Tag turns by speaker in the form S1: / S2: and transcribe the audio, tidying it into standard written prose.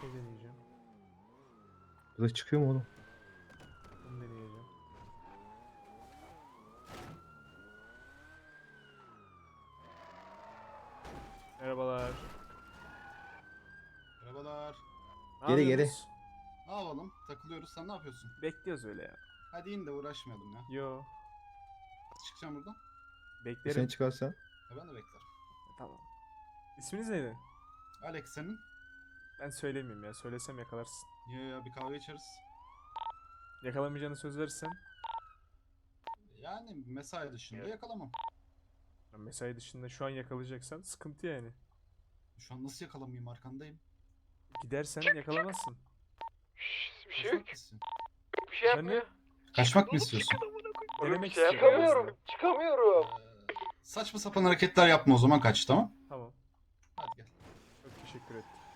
S1: Ne deneyeceğim?
S2: Burada çıkıyor mu oğlum?
S1: Bunu deneyeceğim. Merhabalar.
S3: Merhabalar.
S1: Ne
S2: Geri,
S1: yapıyorsunuz?
S3: Ne yapalım? Takılıyoruz. Sen ne yapıyorsun?
S1: Bekliyoruz öyle ya.
S3: Hadi in de uğraşmayalım ya.
S1: Yo.
S3: Nasıl çıkacağım buradan?
S1: Beklerim.
S2: Sen çıkarsan.
S3: Ya ben de beklerim.
S1: Tamam. İsminiz neydi?
S3: Alex senin?
S1: Ben söylemeyeyim ya. Söylesem yakalarsın.
S3: Ya bir kahve içeriz.
S1: Yakalamayacağını söz verirsen.
S3: Yani mesai dışında
S1: Evet.
S3: yakalamam.
S1: Mesai dışında şu an yakalayacaksan sıkıntı yani.
S3: Şu an nasıl yakalamayayım, arkandayım.
S1: Gidersen yakalamazsın.
S4: Bir şey
S3: Kaçmak
S4: yok.
S3: mı istiyorsun?
S4: Bir şey yapmıyor.
S3: Kaçmak mı istiyorsun?
S4: Oğlum
S1: Denemek
S4: bir şey
S1: istiyorum en
S4: yapamıyorum.
S1: azından.
S4: Çıkamıyorum.
S3: Saçma sapan hareketler yapma o zaman, kaç, tamam?
S1: Tamam.
S3: Hadi gel.
S1: Çok teşekkür ettim.